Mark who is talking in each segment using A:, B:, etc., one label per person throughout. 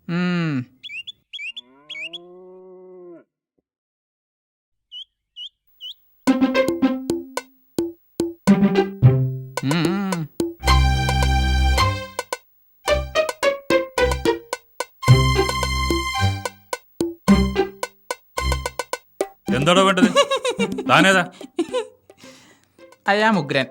A: എന്താടോ വേണ്ടത്? താനേതാ?
B: അയ്യാ ഉഗ്രൻ.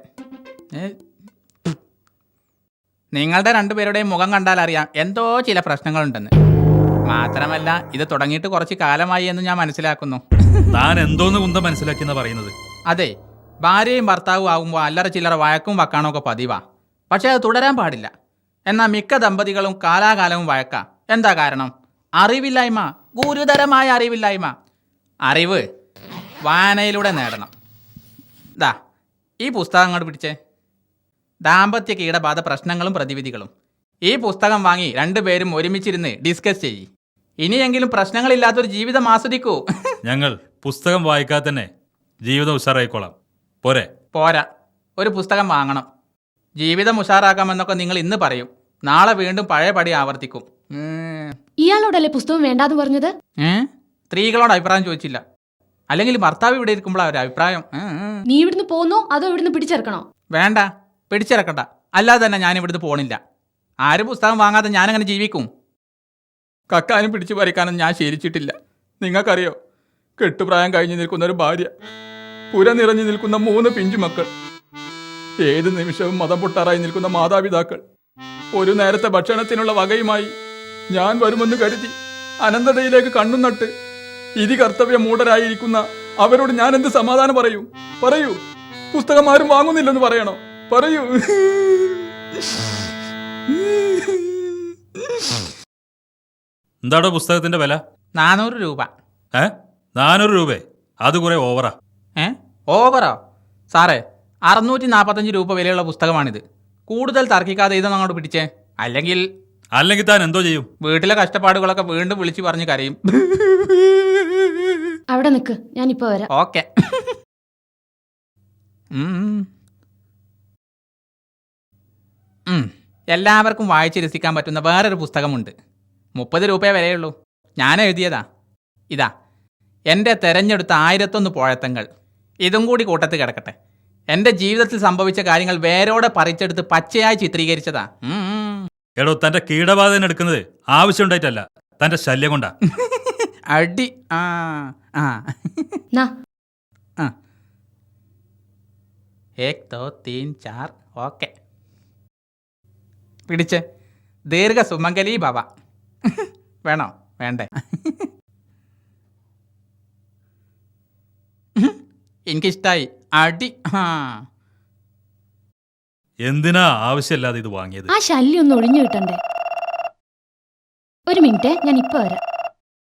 B: നിങ്ങളുടെ രണ്ടുപേരുടെയും മുഖം കണ്ടാൽ അറിയാം എന്തോ ചില പ്രശ്നങ്ങളുണ്ടെന്ന്. മാത്രമല്ല ഇത് തുടങ്ങിയിട്ട് കുറച്ച് കാലമായി എന്ന് ഞാൻ മനസ്സിലാക്കുന്നു.
A: താൻ എന്തോന്ന് കുന്തം മനസ്സിലാക്കിയെന്നാ പറയുന്നത്?
B: അതെ, ഭാര്യയും ഭർത്താവും ആകുമ്പോൾ അല്ലറ ചില്ലറ വഴക്കും വക്കാണൊക്കെ പതിവാ. പക്ഷെ അത് തുടരാൻ പാടില്ല. എന്നാൽ മിക്ക ദമ്പതികളും കാലാകാലവും വഴക്കാ. എന്താ കാരണം? അറിവില്ലായ്മ, ഗുരുതരമായ അറിവില്ലായ്മ. അറിവ് വായനയിലൂടെ നേടണം. ദാ ഈ പുസ്തകം അങ്ങോട്ട് പിടിച്ചേ. ദാമ്പത്യ കീടബാധ പ്രശ്നങ്ങളും പ്രതിവിധികളും. ഈ പുസ്തകം വാങ്ങി രണ്ടുപേരും ഒരുമിച്ചിരുന്ന് ഡിസ്കസ് ചെയ്യ്. ഇനിയെങ്കിലും പ്രശ്നങ്ങളില്ലാത്തൊരു ജീവിതം ആസ്വദിക്കൂ.
A: ഞങ്ങൾ പുസ്തകം വായിക്കാതെ തന്നെ ജീവിതം ഉഷാറായിക്കോളാം. പോരെ?
B: പോരാ, ഒരു പുസ്തകം വാങ്ങണം. ജീവിതം ഉഷാറാക്കാമെന്നൊക്കെ നിങ്ങൾ ഇന്ന് പറയും, നാളെ വീണ്ടും പഴയ പടി ആവർത്തിക്കും.
C: ഇയാളോടല്ലേ പുസ്തകം വേണ്ടാന്ന് പറഞ്ഞത്?
B: സ്ത്രീകളോട് അഭിപ്രായം ചോദിച്ചില്ല. അല്ലെങ്കിൽ ഭർത്താവ് ഇവിടെ ഇരിക്കുമ്പോൾ ഒരു അഭിപ്രായം.
C: നീ ഇവിടുന്ന് പോന്നോ അതോ ഇവിടുന്ന് പിടിച്ചിറക്കണോ?
B: വേണ്ട, പിടിച്ചിറക്കണ്ട. അല്ലാതെ തന്നെ ഞാൻ ഇവിടുന്ന് പോണില്ല. ആരും പുസ്തകം വാങ്ങാതെ ഞാനങ്ങനെ ജീവിക്കും? കക്കാനും പിടിച്ചു പറിക്കാനും ഞാൻ ശീലിച്ചിട്ടില്ല. നിങ്ങൾക്കറിയോ, കെട്ടുപ്രായം കഴിഞ്ഞു നിൽക്കുന്ന ഒരു ഭാര്യ, പുര നിറഞ്ഞു നിൽക്കുന്ന 3 പിഞ്ചു മക്കൾ, ഏത് നിമിഷവും മതം പൊട്ടാറായി നിൽക്കുന്ന മാതാപിതാക്കൾ, ഒരു നേരത്തെ ഭക്ഷണത്തിനുള്ള വകയുമായി ഞാൻ വരുമെന്ന് കരുതി അനന്തതയിലേക്ക് കണ്ണു നട്ട് ഇതി കർത്തവ്യ മൂഢരായിരിക്കുന്ന അവരോട് ഞാൻ എന്ത് സമാധാനം പറയൂ? പുസ്തകം ആരും വാങ്ങുന്നില്ലെന്ന് പറയണോ? പറയൂ.
A: എന്താടോ പുസ്തകത്തിന്റെ വില?
B: 400 രൂപ.
A: 400 രൂപ? അത് കുറെ ഓവറാ.
B: ഓവറോ? സാറേ, 645 രൂപ വിലയുള്ള പുസ്തകമാണിത്. കൂടുതൽ തർക്കിക്കാതെ ഇതൊന്നും അങ്ങോട്ട് പിടിച്ചേ. അല്ലെങ്കിൽ
A: താൻ എന്തോ ചെയ്യും?
B: വീട്ടിലെ കഷ്ടപ്പാടുകളൊക്കെ വീണ്ടും വിളിച്ചു പറഞ്ഞ് കരയും.
C: അവിടെ നിൽക്ക്, ഞാനിപ്പോ വരാം.
B: ഓക്കെ. എല്ലാവർക്കും വായിച്ച് രസിക്കാൻ പറ്റുന്ന വേറൊരു പുസ്തകമുണ്ട്. 30 രൂപയെ വിലയുള്ളൂ. ഞാൻ എഴുതിയതാ. ഇതാ എൻ്റെ തെരഞ്ഞെടുത്ത 1001 പോഴത്തങ്ങൾ. ഇതും കൂടി കൂട്ടത്തിൽ കിടക്കട്ടെ. എൻ്റെ ജീവിതത്തിൽ സംഭവിച്ച കാര്യങ്ങൾ വേരോടെ പറിച്ചെടുത്ത് പച്ചയായി ചിത്രീകരിച്ചതാ.
A: എടോ, തന്റെ കീടബാധ എടുക്കുന്നത് ആവശ്യമുണ്ടായിട്ടല്ല, തന്റെ ശല്യം കൊണ്ടാ.
B: അടി. 1 2 3 4. ഓക്കെ, പിടിച്ച്. ദീർഘ സുമംഗലി ഭവ. വേണോ? വേണ്ടേ? എനിക്കിഷ്ടായി. അടി.
A: എന്തിനാ ആവശ്യമില്ലാതെ ഇത് വാങ്ങിയത്?
C: ആ ശല്യം ഒന്ന് ഒഴിഞ്ഞു കിട്ടണ്ടേ? ഒരു മിനിറ്റ്, ഞാൻ ഇപ്പൊ വരാം.